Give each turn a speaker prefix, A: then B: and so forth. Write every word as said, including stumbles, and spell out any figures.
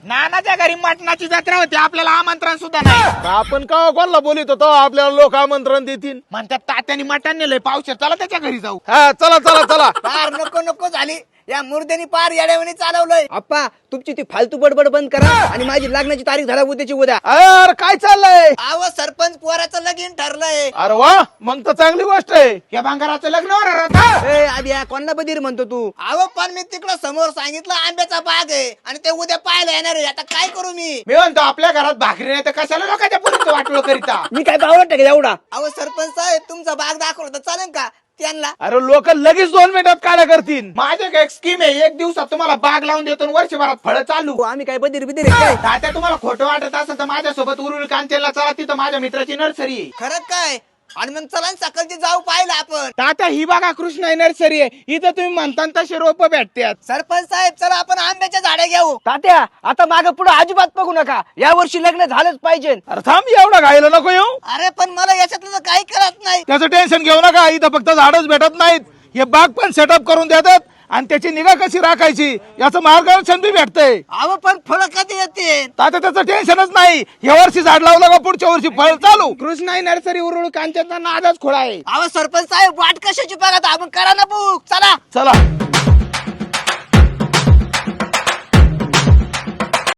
A: नानाच्या घरी मटणाची जत्रा होती, आपल्याला आमंत्रण सुद्धा नाही.
B: आपण का कोणाला बोलित होतो आपल्याला लोक आमंत्रण देतील.
A: म्हणतात तात्याने मटण नेलंय पावशेर, चला त्याच्या घरी जाऊ.
B: हा चला चला चला.
C: पार नको नको झाली या मुर्द्यानी पार येड्यावानी चालवलंय.
D: आप्पा तुमची ती फालतू बडबड बंद करा आणि माझी लग्नाची तारीख धरा उद्याची उद्या.
B: अरे काय चाललंय.
C: आव सरपंच पोराचं लगीन ठरलंय.
B: अरे वा मग तर चांगली गोष्ट आहे.
A: या भांगाराचं लग्न होणार आता.
D: ए आधी कोणाला बधीर म्हणतो तू.
C: आव पण मी तिकडं समोर सांगितलं आंब्याचा बाग आहे आणि ते उद्या पाहायला येणार आहे. आता काय करू मी.
A: मी म्हणतो आपल्या घरात भाकरी नाही तर कशाला लोकांच्या पुरीचं वाटलं करीता.
D: मी काय बावळट आहे का एवढा.
C: अहो सरपंच साहेब तुमचा बाग दाखवला तर चालेल का त्यांना.
B: अरे लोक लगेच दोन मिनिटात काढा करतील.
A: माझ्या एक स्कीम आहे, एक दिवसात तुम्हाला बाग लावून देतो आणि वर्षभरात फळं चालू.
D: हो, आम्ही काय बधीर बिधीर आहे काय.
A: तात्या तुम्हाला खोटं वाटत असेल तर माझ्यासोबत उरुळी कांचेला चला, तिथं माझ्या मित्राची नर्सरी आहे.
C: खरंच काय. आणि मग चला सकाळची जाऊ पाहिलं आपण.
A: तात्या ही बघा कृष्णा नर्सरी आहे, इथं तुम्ही म्हणता तसे रोप भेटतात.
C: सरपंच साहेब चला आपण आंब्याच्या झाडे घेऊ.
D: तात्या आता माग पुढे अजिबात बघू नका, या वर्षी लग्न झालंच पाहिजे.
B: अरे थांब एवढा घायला नको येऊ.
C: अरे पण मला याच्यातलं तर काही कळत नाही.
B: त्याचं टेन्शन घेऊ नका. इथं फक्त झाडच भेटत नाहीत, हे बाग पण सेटअप करून देतात आणि त्याची निगा कशी राखायची याचं मार्गदर्शन बी भेटतंय.
C: अहो पण फळं कधी येते.
B: आता त्याचं टेन्शनच नाही. या वर्षी झाड लावलं का पुढच्या वर्षी फळ चालू.
A: कृष्णा नर्सरी उरुळी कांचनचा नादच खोळा आहे.
C: अहो सरपंच साहेब वाट कशाची बघा आपण करा ना बुक. चला
B: चला